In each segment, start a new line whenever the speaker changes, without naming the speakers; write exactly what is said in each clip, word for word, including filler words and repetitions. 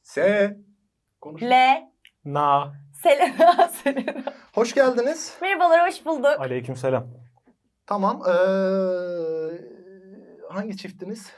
S. Konuş.
L.
Na.
Selena. Selena.
Hoş geldiniz.
Merhabalar, hoş bulduk.
Aleykümselam.
Tamam. Ee, hangi çiftiniz?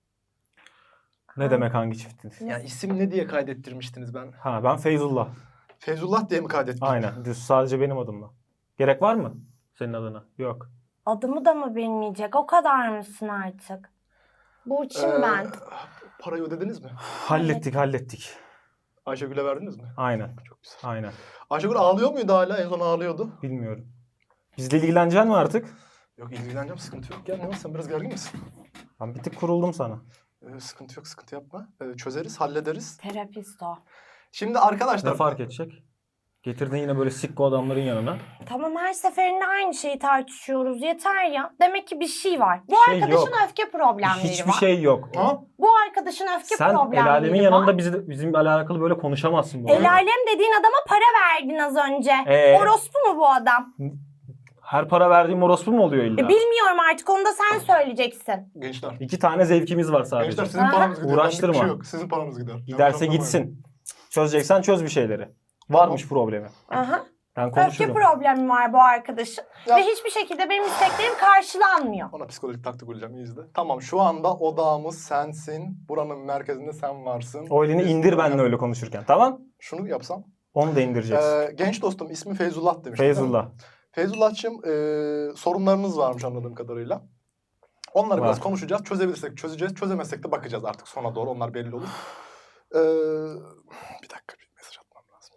Ne demek hangi çiftiniz?
Yani isim ne diye kaydettirmiştiniz ben?
Ha ben Feyzullah.
Feyzullah diye mi kaydettin?
Aynen. Düz sadece benim adımla. Gerek var mı senin adına? Yok.
Adımı da mı bilmeyecek? O kadar mısın artık? Burçin
Ee,
ben.
Parayı ödediniz mi?
Hallettik hallettik.
Ayşegül'e verdiniz mi?
Aynen.
Çok güzel.
Aynen.
Ayşegül ağlıyor muydu hala? En son ağlıyordu.
Bilmiyorum. Bizle ilgileneceksin mi artık?
Yok ilgileneceğim, sıkıntı yok. Ya ne olsun, sen biraz gergin misin?
Ben bir tık kuruldum sana.
Ee, sıkıntı yok, sıkıntı yapma. Ee, çözeriz, hallederiz.
Terapist o.
Şimdi arkadaşlar...
Ne fark edecek? Getirdin yine böyle sikko adamların yanına.
Tamam, her seferinde aynı şeyi tartışıyoruz. Yeter ya. Demek ki bir şey var. Bu
şey
arkadaşın
yok.
öfke problemleri
Hiçbir
var.
şey yok.
Ha?
Bu arkadaşın öfke
Sen
problemleri
el alemin
var.
yanında bizi, bizimle alakalı böyle konuşamazsın. Bu arada.
El alem dediğin adama para verdin az önce.
Ee?
Orospu mu bu adam?
Her para verdiğim orospu mu oluyor
E,
illa?
bilmiyorum artık, onu da sen söyleyeceksin.
Gençler.
İki tane zevkimiz var sadece.
Gençler sizin
Ha?
paranız gidiyor.
Uğraştırma.
Benlik bir şey yok. Sizin paranız gider.
Giderse
Yanlış anlamayın.
gitsin. Çözeceksen çöz bir şeyleri. Varmış problemi.
Aha.
Ben
Öfke
konuşurum.
problemi var bu arkadaşın.
Ya-
Ve hiçbir şekilde benim isteklerim karşılanmıyor.
Ona psikolojik taktik uygulayacağım, iyi izle. Tamam, şu anda odağımız sensin. Buranın merkezinde sen varsın.
O elini
Biz-
indir benimle öyle konuşurken. Tamam?
Şunu yapsam.
Onu da indireceksin.
Ee, genç dostum ismi Feyzullah demiş.
Feyzullah.
Feyzullah'cığım e, sorunlarınız varmış anladığım kadarıyla. Onları
Var.
biraz konuşacağız. Çözebilirsek çözeceğiz. Çözemezsek de bakacağız artık sona doğru. Onlar belli olur. Ee, bir dakika, bir mesaj atmam lazım.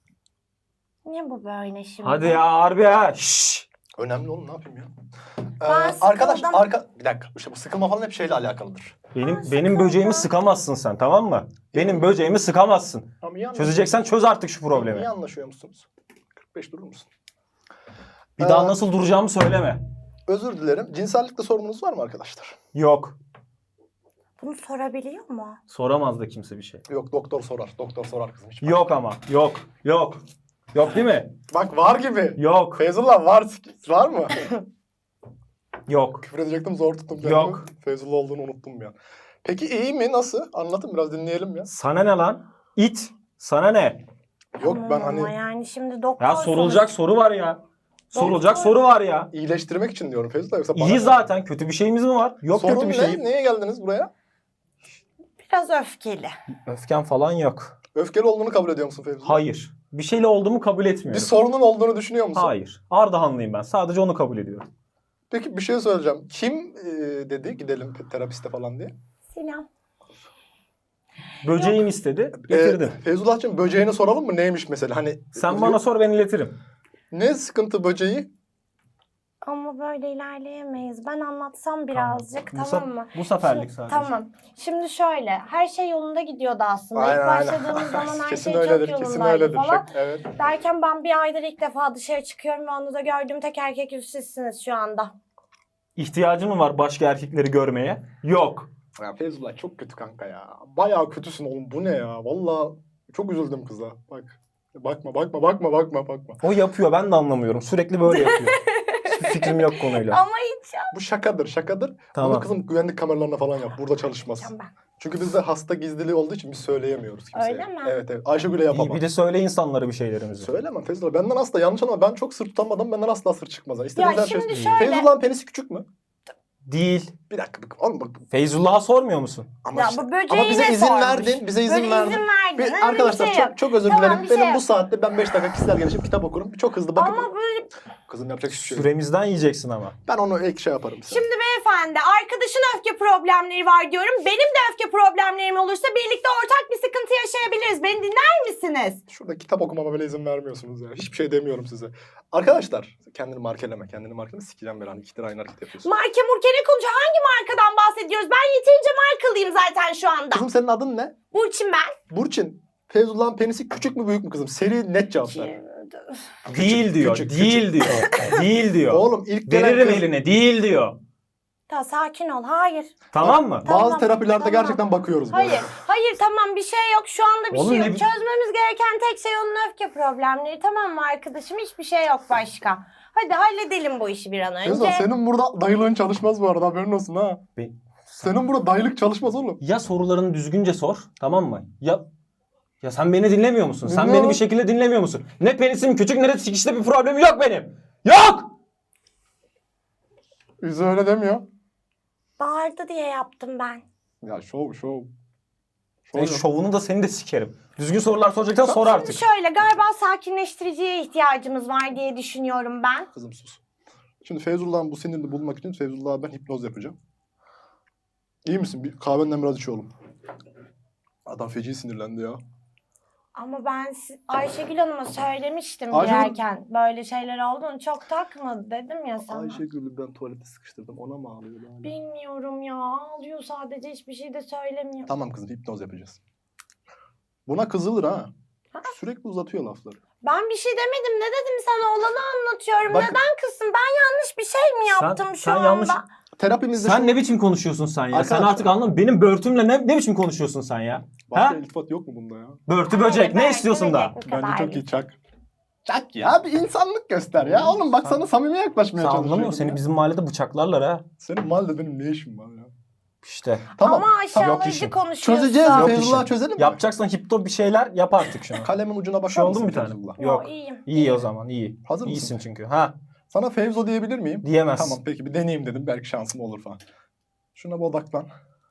Niye bu böyle şimdi?
Hadi ya harbi ha. Şşş.
Önemli oğlum, ne yapayım ya?
Ben
Ee, arkadaş,
sıkıldım.
arka... Bir dakika. İşte bu sıkılma falan hep şeyle alakalıdır.
Benim
Ben
benim
sıkıldım.
böceğimi sıkamazsın sen, tamam mı? Benim böceğimi sıkamazsın.
Tamam, iyi
Çözeceksen çöz artık şu problemi.
İyi anlaşıyor musunuz? kırk beş durur musun?
Bir daha
Ee,
nasıl duracağımı söyleme.
Özür dilerim. Cinsellikte sorununuz var mı arkadaşlar?
Yok.
Bunu sorabiliyor mu?
Soramaz da kimse bir şey.
Yok, doktor sorar. Doktor sorar kızım. Hiç
Yok ama. Yok. Yok. Yok değil mi?
Bak, var gibi.
Yok.
Feyzullah var. Var mı?
Yok.
Küfür edecektim, zor tuttum kendimi.
Yok.
Feyzullah olduğunu unuttum ya. Peki iyi mi? Nasıl? Anlatın biraz, dinleyelim ya.
Sana ne lan? İt. Sana ne?
Yok,
Tamam
ben
ama
hani
yani şimdi doktor
Ya sorulacak soru var ya. Sorulacak
Doktor.
soru var ya.
iyileştirmek için diyorum Feyzullah, yoksa bana...
İyi zaten. Kötü bir şeyimiz mi var? Yok
Sorun
kötü bir
ne?
şey.
Neye geldiniz buraya?
Biraz öfkeli.
Öfken falan yok.
Öfkeli olduğunu kabul ediyor musun Feyzullah?
Hayır. Bir şeyle olduğumu kabul
Bir
etmiyorum.
sorunun olduğunu düşünüyor musun?
Hayır. Ardahanlıyım ben. Sadece onu kabul ediyorum.
Peki bir şey söyleyeceğim. Kim e, dedi gidelim terapiste falan diye?
Sinan.
Böceğim istedi. Getirdim.
Ee, Feyzullah'cığım, böceğini soralım mı? Neymiş mesela? Hani
Sen bana sor, ben iletirim.
ne sıkıntı böceği?
Ama böyle ilerleyemeyiz. Ben anlatsam birazcık,
Bu
tamam,
sef-
mı?
bu seferlik
Şimdi-
sadece.
Tamam. Şimdi şöyle, her şey yolunda gidiyordu aslında.
Aynen,
İlk
aynen.
başladığımız zaman her
Kesin
şey
öyledir,
çok
kesin
yolundaydı
öyledir.
falan.
Şak- evet.
Derken ben bir aydır ilk defa dışarı çıkıyorum ve onu da gördüğüm tek erkek yüz sizsiniz şu anda.
İhtiyacın mı var başka erkekleri görmeye? Yok.
Ya Feyzullah çok kötü kanka ya. Bayağı kötüsün oğlum. Bu ne ya? Vallahi çok üzüldüm kıza. Bak. Bakma, bakma, bakma, bakma, bakma.
O yapıyor, ben de anlamıyorum. Sürekli böyle yapıyor. Hiçbir fikrim yok konuyla.
Ama hiç
Bu şakadır, şakadır. Bunu
Tamam.
kızım güvenlik kameralarına falan yap. Burada çalışmaz.
yapacağım ben.
Çünkü bizde hasta gizliliği olduğu için biz söyleyemiyoruz kimseye.
Öyle mi?
Evet, evet. Ayşegül'e
İyi,
yapamam.
bir de söyle insanlara bir şeylerimizi.
Söylemem Feyzullah. Benden asla, yanlış anlama. Ben çok sır tutanmadım. Benden asla sır çıkmaz. İstediğiniz
Ya
her şey.
şimdi şöyle.
Feyzullah'ın penisi küçük mü?
Değil.
Bir dakika bak. Oğlum bak.
Feyzullah'a sormuyor musun?
Ama,
Ya
işte-
bu böceği
ama bize
ne
izin
sormuş?
verdin. Bize izin
Böyle
verdin.
izin verdin.
Bir-
Öyle bir
arkadaşlar
şey
çok
yok.
çok özür
Tamam,
dilerim.
bir şey
Benim bu
yok.
saatte ben beş dakika kişisel gelişim kitap okurum. Çok hızlı bakıp
Ama böyle...
kızım yapacak hiçbir şey yok.
Süremizden yiyeceksin ama.
Ben onu ek şey yaparım size.
Şimdi beyefendi, arkadaşın öfke problemleri var diyorum. Benim de öfke problemlerim olursa birlikte ortak bir sıkıntı yaşayabiliriz. Beni dinler misiniz?
Şurada kitap okumama bile izin vermiyorsunuz ya. Hiçbir şey demiyorum size. Arkadaşlar kendini markeleme. Kendini markeleme, sikeceğim ben hani ikide aynı hareket yapıyorsun.
Marka murke ne konuşuyor? Hangi markadan bahsediyoruz? Ben yeterince markalıyım zaten şu anda.
Kızım senin adın ne?
Burçin ben.
Burçin. Feyzullah'ın penisi küçük mü büyük mü kızım? Seri net cevap ver.
Değil diyor.
küçük,
değil diyor. Değil diyor.
Oğlum ilk gelen
Veririm
kız-
eline. Değil diyor.
Ta sakin ol. Hayır.
Tamam mı?
Tamam,
Bazı terapilerde
tamam.
gerçekten bakıyoruz. bu
Hayır.
arada.
Hayır tamam, bir şey yok. Şu anda bir
Oğlum
şey
ne
yok.
bi-
Çözmemiz gereken tek şey onun öfke problemleri. Tamam mı arkadaşım? Hiçbir şey yok başka. Hadi halledelim bu işi bir an önce.
Feyzullah senin burada dayılığın çalışmaz bu arada, haberin olsun ha.
Be-
Senin burada dayılık çalışmaz oğlum.
Ya sorularını düzgünce sor, tamam mı? Ya Ya sen beni dinlemiyor musun? Sen
Dinliyorum.
beni bir şekilde dinlemiyor musun? Ne penisim küçük ne de sikişte bir problemim yok benim. Yok!
Yüzü öyle demiyor.
Bağırdı diye yaptım ben.
Ya şov şov.
Senin
Şov.
şovunu da seni de sikerim. Düzgün sorular soracaksan sor
Şimdi
artık.
şöyle galiba sakinleştiriciye ihtiyacımız var diye düşünüyorum ben.
Kızım sus. Şimdi Feyzullah'ın bu sinirini bulmak için Feyzullah'a ben hipnoz yapacağım. İyi misin? Bir kahvenden biraz iç oğlum. Adam feci sinirlendi ya.
Ama ben si- Ayşegül Hanım'a söylemiştim
Ayşegül-
girerken. Böyle şeyler olduğunu çok takmadı dedim ya sana.
Ayşegül'ü ben tuvalete sıkıştırdım. Ona mı ağlıyor yani?
Bilmiyorum ya. Ağlıyor sadece, hiçbir şey de söylemiyor.
Tamam kızım, hipnoz yapacağız. Buna kızılır ha.
Ha?
Sürekli uzatıyor lafları.
Ben bir şey demedim. Ne dedim sana? Olanı anlatıyorum.
Bak-
Neden kızsın? Ben yanlış bir şey mi
Sen-
yaptım şu
sen
anda?
yanlış-
Terapimizde
Sen
şu...
ne biçim konuşuyorsun sen ya? Sen
Arkadaşlar-
artık anladın. Benim börtümle ne, ne biçim konuşuyorsun sen ya?
Başka
Ha?
iltifat yok mu bunda ya?
Börtü
Hayır,
böcek. Ne
belki
istiyorsun da?
böcek bu
Bence
kadar
çok iyi
değil.
çak. Çak ya, bir insanlık göster ya. Oğlum bak
Sen-
sana samimi yaklaşmaya
Sen
çalışıyorum.
anlamıyor musun? Seni
ya.
bizim mahallede bıçaklarlar ha.
Senin mahallede benim ne işim var ya?
İşte.
Tamam.
Ama
Yok
aşağılayıcı
işim.
konuşuyorsun.
Çözeceğiz
Yok
Feyzullah,
işim.
çözelim mi?
Yapacaksan hipto bir şeyler yap artık şunu.
Kalemin ucuna bakar
Bir şey oldu
mısın
mu bir tane?
Feyzullah?
Yok.
Yo, iyiyim.
İyi o zaman iyi.
Hazır mısın?
İyisin çünkü. Ha
Sana Fevzo diyebilir miyim?
diyemez.
Tamam peki, bir deneyeyim dedim. Belki şansım olur falan. Şuna bir odaklan.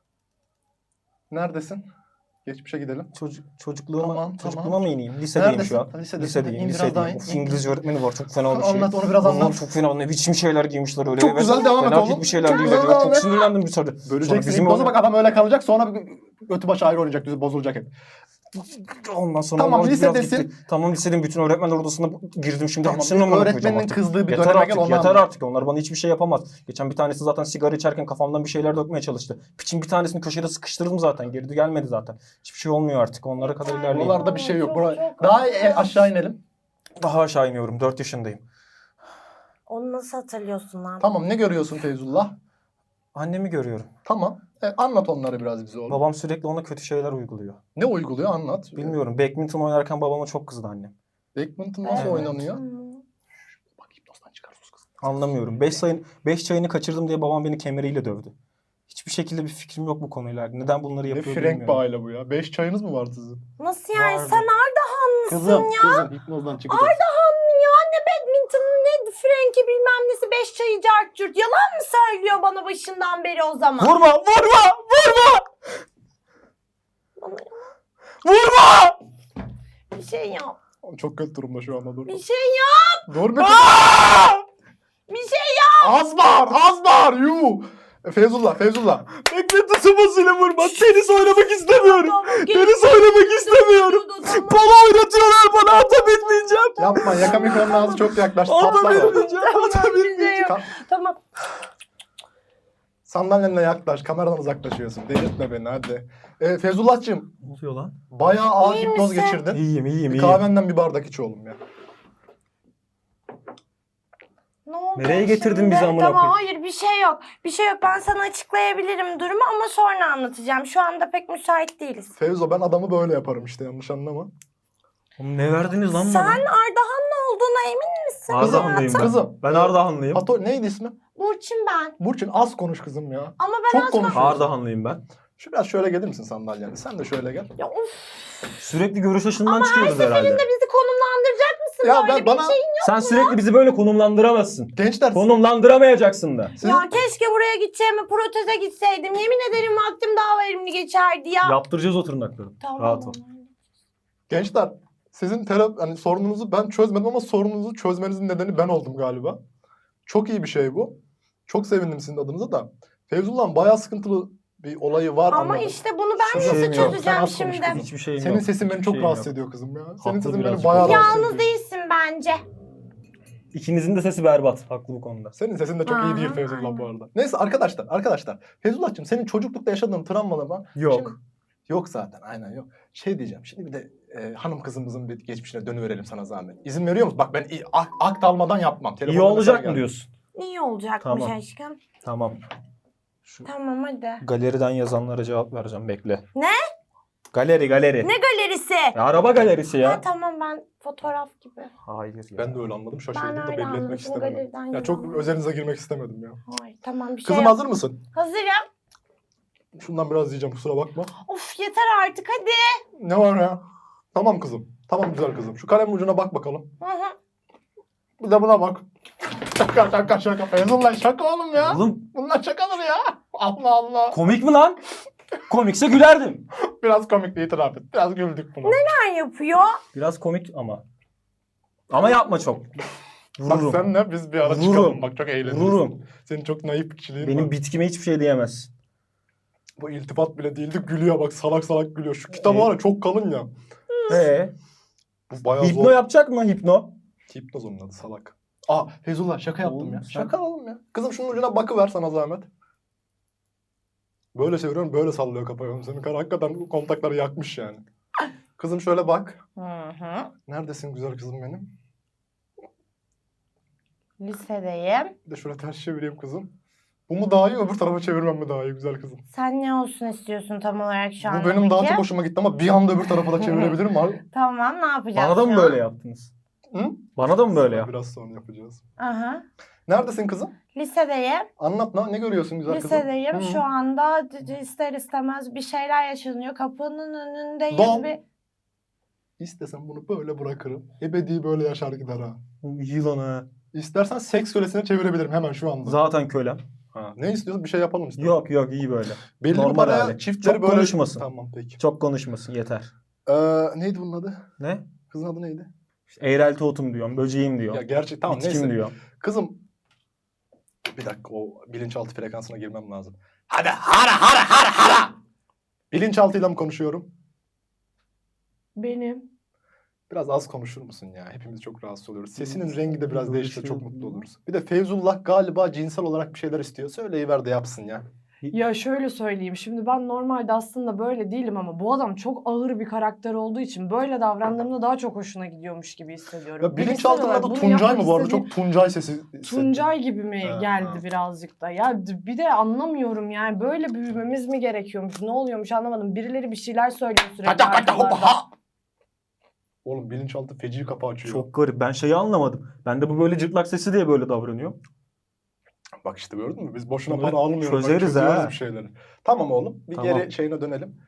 Neredesin? Geçmişe gidelim.
Çocuk, çocukluğuma,
Tamam,
çocukluğuma
tamam.
mı ineyim? Lisedeyim
Neredesin?
şu an.
Ha, lisedesin.
Lisedeyim,
İn biraz daha
lisedeyim.
in,
Of,
in.
İngilizce öğretmeni var. Çok fena bir şey.
Anlat, onu biraz
Allah'ım,
anlat.
çok fena. Ne biçim şeyler giymişler öyle.
Çok
Evet,
güzel, devam et
fena
oğlum.
bir şeyler
Çok
giymişler.
güzel, devam
Çok
et.
sinirlendim bir sırada. Sonra
Böleceksin.
bizim
Hipnoza
o-
bak, adam öyle kalacak, sonra götü başı ayrı oynayacak, düz bozulacak hep.
Ondan sonra
Tamam,
onlar biraz
lisedesin.
gitti. Tamam lisenin bütün öğretmenler odasına girdim şimdi.
Tamam,
Hepsinin amına koyacağım
öğretmenin
artık.
kızdığı bir
Yeter
döneme
artık,
gel, onu
yeter
anlat.
artık. Onlar bana hiçbir şey yapamaz. Geçen bir tanesi zaten sigara içerken kafamdan bir şeyler dökmeye çalıştı. Piçin bir tanesini köşede sıkıştırdım zaten. Geri gelmedi zaten. Hiçbir şey olmuyor artık. Onlara kadar ilerleyeyim.
Buralarda bir şey yok.
Çok,
Bura...
çok
Daha
haklı.
e, aşağı inelim.
Daha aşağı iniyorum. dört yaşındayım.
Onu nasıl hatırlıyorsun lan?
Tamam, ne görüyorsun Feyzullah?
Annemi görüyorum.
Tamam. E, anlat onları biraz bize oğlum.
Babam sürekli ona kötü şeyler uyguluyor.
Ne uyguluyor, anlat.
Bilmiyorum. Badminton oynarken babama çok kızdı annem.
Badminton nasıl
Evet.
oynanıyor?
Hmm.
Bak, hipnozdan çıkar sus kızım.
Anlamıyorum. beş sayın beş çayını kaçırdım diye babam beni kemeriyle dövdü. Hiçbir şekilde bir fikrim yok bu konuyla. Neden bunları
Ne
yapıyor
frenk
bilmiyorum.
bir aile bu ya. Beş çayınız mı var sizin?
Nasıl yani?
Vardı.
Sen Ardahanlısın
Kızım,
ya.
kızım hipnozdan çıkacak.
Ardahanlı ya. Ne badminton, ne Frenki bilmem nesi, beş çayı cart curt. Yalan mı söylüyor bana başından beri o zaman?
Vurma! Vurma! Vurma!
Bana
Vurma!
bir şey yap.
Çok kötü durumda şu anda, dur.
Bir şey yap.
Dur bir
Aa!
Bir şey yap.
Az bağır, az bağır, yuh. E, Feyzullah, Feyzullah.
Beklenti sıvasıyla vurma. Tenis oynamak istemiyorum.
Tamam, gel.
Tenis oynamak istemiyorum.
Dur, dur, tamam.
Polo oynatıyorlar bana. Ata bitmeyeceğim.
Yapma, yaka mikronun ağzı çok yaklaştı.
Ata
Patlar o.
bitmeyeceğim. Ata
Tamam, bir şey
bitmeyeceğim.
yok.
Ka-
Tamam.
Sandalyenle yaklaş, kameradan uzaklaşıyorsun. Delirtme beni hadi. E, Feyzullah'cığım,
Ne oluyor lan?
bayağı ağır
İyi
hipnoz
misin?
geçirdin.
İyiyim iyiyim
Bir
iyiyim.
kahvenden bir bardak iç oğlum ya.
Ne oldu
Nereye getirdin
şimdi?
bizi amına
Tamam,
koyayım?
hayır bir şey yok. Bir şey yok. Ben sana açıklayabilirim durumu ama sonra anlatacağım. Şu anda pek müsait değiliz.
Fevzo, ben adamı böyle yaparım işte, yanlış anlama.
Oğlum ne verdiniz lan
Sen
bana?
Ardahanlı olduğuna emin misin?
Ardahanlıyım ben.
Kızım.
Ben Ardahanlıyım.
Pato, neydi ismi?
Burçin ben.
Burçin, az konuş kızım ya.
Ama ben
Çok
asla...
konuşuyorsun.
Ardahanlıyım ben.
Şu biraz şöyle gelir misin sandalyene? Sen de şöyle gel.
Ya of,
Sürekli görüş açısından çıkıyoruz herhalde.
bizi konumlandıracak mısın?
Ya
Böyle
ben
bir
bana
şey.
Sen sürekli bizi böyle konumlandıramazsın.
gençler
Konumlandıramayacaksın da.
sizin-
Ya keşke buraya gideceğime proteze gitseydim. Yemin ederim vaktim daha verimli geçerdi ya.
Yaptıracağız o tırnakları.
Tamam.
Rahat ol.
gençler sizin terapi, hani sorununuzu ben çözmedim ama sorununuzu çözmenizin nedeni ben oldum galiba. Çok iyi bir şey bu. Çok sevindim sizin adınıza da. Fevzullah'ın bayağı sıkıntılı bir olayı var
Ama
anladım.
işte bunu ben
Hiçbir
nasıl
şeyim yok.
Sen
çözeceğim
az konuş
şimdi?
kızım.
Hiçbir şeyim
Senin
yok.
sesin beni
Hiçbir
çok
şeyim
rahatsız
yok.
ediyor kızım ya. Senin
Haklı
sesin beni
birazcık.
bayağı rahatsız ediyor.
Yalnız değilsin bence.
İkinizin de sesi berbat. Haklı bu konuda.
Senin sesin de çok iyi değil
Aha,
Feyzullah bu
aynen.
arada. Neyse arkadaşlar, arkadaşlar. Feyzullah'cığım, senin çocuklukta yaşadığın travmalar
Yok.
Şimdi- yok zaten, aynen yok. Şey diyeceğim, şimdi bir de e, hanım kızımızın bir geçmişine dönüverelim sana zahmet. İzin veriyor musun? Bak ben i- ak- akt almadan yapmam.
İyi
Telefonda mesaj
olacak mı
geldi.
diyorsun?
İyi olacakmış
Tamam.
aşkım.
Tamam. Şu
Tamam hadi.
galeriden yazanlara cevap vereceğim. Bekle.
Ne?
Galeri galeri.
Ne galerisi?
Ya, araba galerisi ya.
Ha, tamam, ben fotoğraf gibi.
Hayır ya.
Ben de öyle anladım. Şaşırdım
Ben
da
öyle
belli etmek
anladım,
istemedim.
galeriden
Ya çok
yazanlar.
özelinize girmek istemedim ya.
Hayır tamam, bir şey
Kızım
yok.
hazır mısın?
Hazırım.
Şundan biraz diyeceğim, kusura bakma.
Of yeter artık hadi.
Ne var ya? Tamam kızım. Tamam güzel kızım. Şu kalemin ucuna bak bakalım.
Hı hı.
Bir de buna bak. Şaka şaka şaka. Feyzullah şaka oğlum ya.
Oğlum
Bunlar şakadır ya. Allah Allah.
komik mi lan? Komikse gülerdim.
Biraz komikti itiraf et. Biraz güldük buna.
Neler yapıyor?
Biraz komik ama. Ama yapma çok.
Bak
Vururum.
senle biz bir ara
Vururum.
çıkalım. Bak çok eğleniriz.
Vururum.
Senin çok naif bir kişiliğin
Benim
var.
bitkime hiçbir şey diyemez.
Bu iltifat bile değildi. Gülüyor bak salak salak gülüyor. Şu kitap
Evet.
var ya çok kalın ya.
Ee,
Bu bayağı
hipno
zor.
yapacak mı hipno?
Hipnoz onun adı salak. Aa Feyzullah şaka yaptım
Oğlum
ya.
sen-
Şaka oğlum ya. Kızım şunun ucuna bakıver sana zahmet. Böyle çeviriyorum böyle sallıyor kafayı oğlum. Senin karı hakikaten kontakları yakmış yani. Kızım şöyle bak.
Hı hı.
Neredesin güzel kızım benim?
Lisedeyim.
Bir de şöyle ters çevireyim kızım. Bu mu daha iyi öbür tarafa çevirmem mi daha iyi güzel kızım?
Sen ne olsun istiyorsun tam olarak şu an?
Bu benim daha çok hoşuma gitti ama bir anda öbür tarafa da çevirebilirim abi.
Tamam ne yapacağız
Bana da mı
şu an?
böyle yaptınız?
Hı?
Bana da mı böyle yap?
Biraz sonra yapacağız.
Aha.
Neredesin kızım?
Lisedeyim.
Anlat ne, ne görüyorsun güzel kızım?
Lisedeyim.
Hı.
Şu anda d- d- ister istemez bir şeyler yaşanıyor. Kapının önündeyiz.
Don.
Bir...
İstesem bunu böyle bırakırım. Ebedi böyle yaşar gider ha.
Yılan ha.
İstersen seks kölesine çevirebilirim hemen şu anda.
Zaten kölem.
Ha, ne istiyorsun? Bir şey yapalım istiyorsan.
Yok yok iyi böyle.
Belli bir
normal
paraya
hali.
çiftleri
Çok
böyle...
konuşmasın.
Tamam peki.
Çok konuşmasın yeter.
Ee, neydi bunun adı?
Ne?
Kızın adı neydi?
İşte eğrelti otum diyorum, böceğim diyorum.
Ya gerçek tamam
bitkim
neyse.
diyorum.
Kızım. Bir dakika o bilinçaltı frekansına girmem lazım. Hadi hara hara hara hara. Bilinçaltıyla mı konuşuyorum?
Benim.
Biraz az konuşur musun ya? Hepimiz çok rahatsız oluyoruz. Sesinin rengi de biraz
Böyle
değişse
şey
çok
yok.
mutlu oluruz. Bir de Feyzullah galiba cinsel olarak bir şeyler istiyor. Söyleyiver de yapsın ya.
Ya şöyle söyleyeyim. Şimdi ben normalde aslında böyle değilim ama bu adam çok ağır bir karakter olduğu için böyle davrandığımda daha çok hoşuna gidiyormuş gibi hissediyorum.
Ya
Bilinçsel
bilinçaltının
olarak
adı
bunu
Tuncay
yapmak
mı bu arada?
istediği-
Çok Tuncay sesi hissettim.
Tuncay gibi mi
Ha,
geldi
ha.
birazcık da. Ya d- bir de anlamıyorum yani böyle büyümemiz mi gerekiyormuş? Ne oluyormuş anlamadım. Birileri bir şeyler söylüyor sürekli.
Kaça kaça hoppa
arkalarda.
ha. Oğlum bilinçaltı feci kapı açıyor.
Çok garip. Ben şeyi anlamadım. Ben de bu böyle cırtlak sesi diye böyle davranıyor.
Bak işte gördün mü? Biz boşuna
Bunları
para almıyoruz. Bak,
çözeriz
çözüyoruz
ha.
bir şeyleri. Tamam oğlum. Bir
Tamam.
geri şeyine dönelim.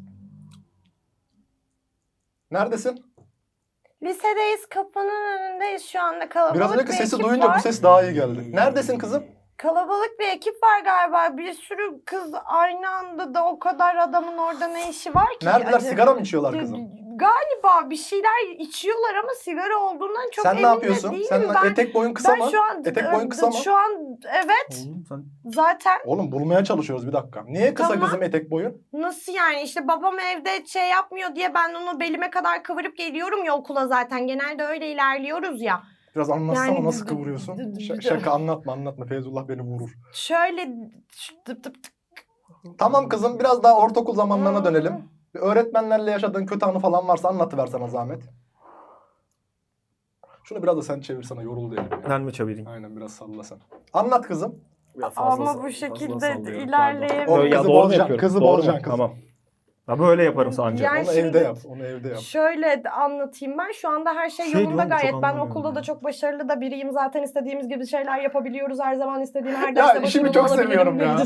Neredesin?
Lisedeyiz. Kapının önündeyiz şu anda. Kalabalık
Biraz önceki
bir
sesi
ekip
duyunca
var.
bu ses daha iyi geldi. Neredesin kızım?
Kalabalık bir ekip var galiba. Bir sürü kız aynı anda da o kadar adamın orada ne işi var ki?
Neredeler?
Acaba-
Sigara mı içiyorlar kızım?
Galiba bir şeyler içiyorlar ama sigara olduğundan çok
Sen
emin
ne
de
yapıyorsun?
değilim.
Sen
ben,
etek boyun kısa
ben
mı?
şu an
Etek boyun kısa mı?
şu an evet
Oğlum sen
zaten.
Oğlum bulmaya çalışıyoruz bir dakika. Niye kısa
Tamam.
kızım etek boyun?
Nasıl yani işte babam evde şey yapmıyor diye ben onu belime kadar kıvırıp geliyorum ya okula zaten. Genelde öyle ilerliyoruz ya.
Biraz anlatsana
Yani
nasıl
d-
kıvırıyorsun?
d- d-
Ş-
d-
şaka anlatma anlatma. Feyzullah beni vurur.
Şöyle tıp tıp tıp.
Tamam kızım biraz daha ortaokul zamanlarına
Hmm.
dönelim. Bir öğretmenlerle yaşadığın kötü anı falan varsa anlatıver sana zahmet. Şunu biraz da sen çevirsene yoruldu yani.
ben mi çevireyim?
Aynen biraz salla sen. Anlat kızım.
Biraz fazla
Ama
sall-
bu
fazla
şekilde
sallıyorum,
ilerleyemiyorum.
pardon.
O
Ya
kızı
doğru mu
bozacaksın,
yapıyorum?
kızı
Doğru mu?
bozacaksın kızım.
Tamam. Ya böyle yaparım sadece.
Yani
Onu
şimdi-
evde yap. Onu evde yap.
Şöyle de anlatayım ben. Şu anda her şey
Şey
yolunda
diyorum da çok
gayet. Ben
anlamıyorum
okulda
ya.
da çok başarılı da biriyim. Zaten istediğimiz gibi şeyler yapabiliyoruz. Her zaman istediğim her
Ya
derste
işimi
başarılı
çok
olabilirim.
seviyorum ya.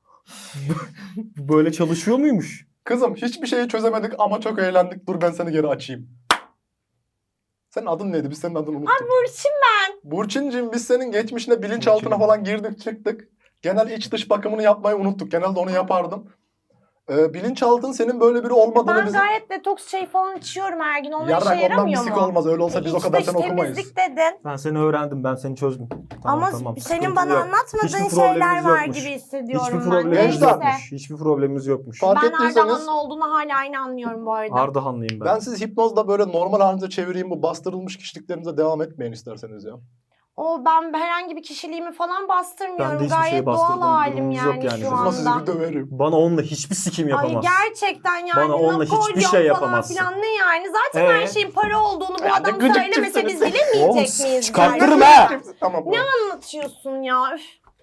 Böyle çalışıyor muymuş?
Kızım hiçbir şeyi çözemedik ama çok eğlendik. Dur ben seni geri açayım. Senin adın neydi? Biz senin adını unuttuk.
Burçin
Burçincim biz senin geçmişine bilinçaltına
Burçin.
falan girdik çıktık. Genel iç dış bakımını yapmayı unuttuk. Genelde onu yapardım. Ee, bilinçaltın senin böyle biri olmadığını
ben
bizim...
gayet detoks şey falan içiyorum her gün. Onun işe
Yarrak ondan
yaramıyor
bisik
mu?
olmaz. Öyle olsa biz o
İç
kadar
dış
seni okumayız.
temizlik dedin.
Ben seni öğrendim, ben seni çözdüm. Tamam,
Ama
tamam.
senin
Sıkıntı
bana
yok.
anlatmadığın
Hiçbir
şeyler
problemimiz
var
yokmuş.
gibi hissediyorum
Hiçbir
ben.
problemimiz
Gençler.
Neyse.
yokmuş. Hiçbir problemimiz yokmuş.
Fark
Ben
ettiyseniz
Ardahanlı olduğunu hala aynı anlıyorum bu arada.
Ardahanlıyım ben.
ben siz hipnozla böyle normal halinize çevireyim bu bastırılmış kişiliklerinize devam etmeyin isterseniz ya.
O ben herhangi bir kişiliğimi falan bastırmıyorum.
Ben de hiçbir
Gayet
şey
doğal
bastırdığım
halim
durumumuz
yani,
yok yani
şu
bizim.
Ama sizi
anda.
bir döverim.
Bana onunla hiçbir sikim
Ay
yapamaz.
gerçekten yani
Bana onunla hiçbir
Napolyon
şey
falan
yapamazsın.
filan ne yani? Zaten her
Ee?
şeyin para olduğunu bu
Ya ne
adam
gıcık
söylemese biz
tipsiniz.
bilemeyecek
Oğlum,
miyiz?
çıkartırım
yani?
ha!
Tamam.
Ne anlatıyorsun ya? Üf.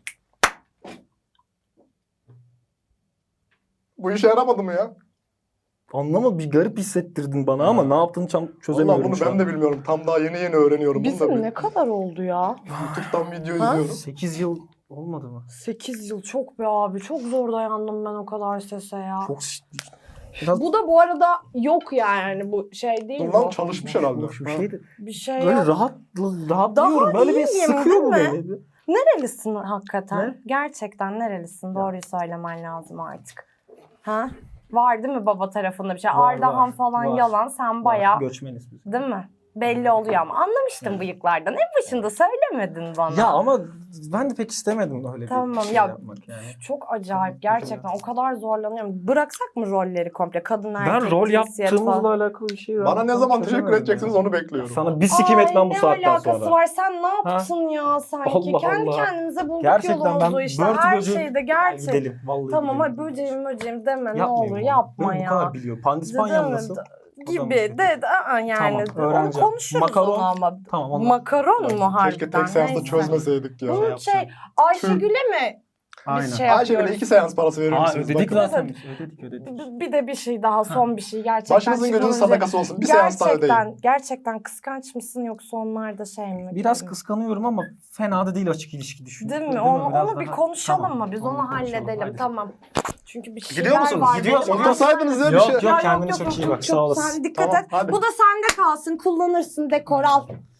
Bu işe yaramadı mı ya?
Anlama bir garip hissettirdin bana ama ne yaptığını tam
Vallahi
çözemiyorum
bunu
şu
ben
an.
de bilmiyorum. Tam daha yeni yeni öğreniyorum. Bunu da
Bizim
bir
ne kadar oldu ya?
YouTube'dan video
Ha?
izliyorum.
sekiz yıl olmadı mı?
sekiz yıl çok be abi. Çok zor dayandım ben o kadar sese ya.
Çok Biraz
Bu da bu arada yok yani bu şey değil
Dur lan
bu.
çalışmış herhalde.
bir şeydi.
Bir şey
Böyle
yok.
rahat rahat
Daha
diyorum. Böyle bir
iyiyim,
sıkıyor bu
değil
beni.
Nerelisin hakikaten?
Ne?
Gerçekten nerelisin? Doğruyu söylemen lazım artık. Ha? Var değil mi baba tarafında bir şey?
Var,
Ardahan
var,
falan
var.
yalan. Sen bayağı
Göçmeniz biz.
değil mi? Belli oluyor ama anlamıştım bıyıklardan. En başında söylemedin bana.
Ya ama ben de pek istemedim öyle
Tamam,
bir şey
ya-
yapmak yani.
Çok acayip gerçekten. O kadar zorlanıyorum. Bıraksak mı rolleri komple? Kadın erkek
Ben rol
cinsiyet
yaptığımızla
falan.
alakalı bir şey var.
Bana ne zaman teşekkür
Çözemedim
edeceksiniz
ya.
onu bekliyorum.
Sana bir sikim
Ay,
etmem bu saatten
ne alakası
sonra.
var? Sen ne yaptın ya sanki?
Allah
Kendi
Allah.
kendimize bulduk
Gerçekten ben
yolumuzu işte.
börtü
Her
böceği-
şeyde gerçek.
Gidelim vallahi
Tamam
gidelim.
hadi böceğim böceğim deme ne
Yapmayın
olur
bunu.
yapma
Ben
ya.
Bu kadar biliyorum. Pandispanyam
Değil mi?
nasıl?
Gibi de, de aa, yani
Tamam,
onu
öğreneceğim.
konuşuruz
Makaron.
onu ama.
Tamam onu.
Makaron mu harbiden?
Keşke tek seansta
Neyse.
çözmeseydik ya.
Bunun
yapacağım.
şey Ayşegül'e mi
Aynen.
biz şey
Ayşegül'e
yapıyoruz?
iki seans parası verir
Aa,
misiniz?
ödedik
Bakın.
zaten. Ödedik ödedik.
B- Bir de bir şey daha son bir şey gerçekten.
Başınızın gözünün
çıkmadan önce-
sadakası olsun. Bir seans daha ödeyin.
Gerçekten, gerçekten kıskanç mısın yoksa onlarda şey mi?
Biraz kıskanıyorum ama fena da değil açık ilişki düşün.
Değil mi?
Değil
Onu,
Biraz
onu bir
daha-
konuşalım
Tamam,
mı? Biz
onu
onu
konuşalım.
halledelim.
Hadi.
Tamam. Çünkü bir şeyler
Gidiyor musunuz?
var.
Gidiyoruz.
benim.
Otursaydınız ya bir
Yok,
şey.
yok.
Ya
kendine çok iyi bak, sağ olasın.
Sen dikkat
Tamam,
et.
hadi.
Bu da sende kalsın. Kullanırsın dekor al.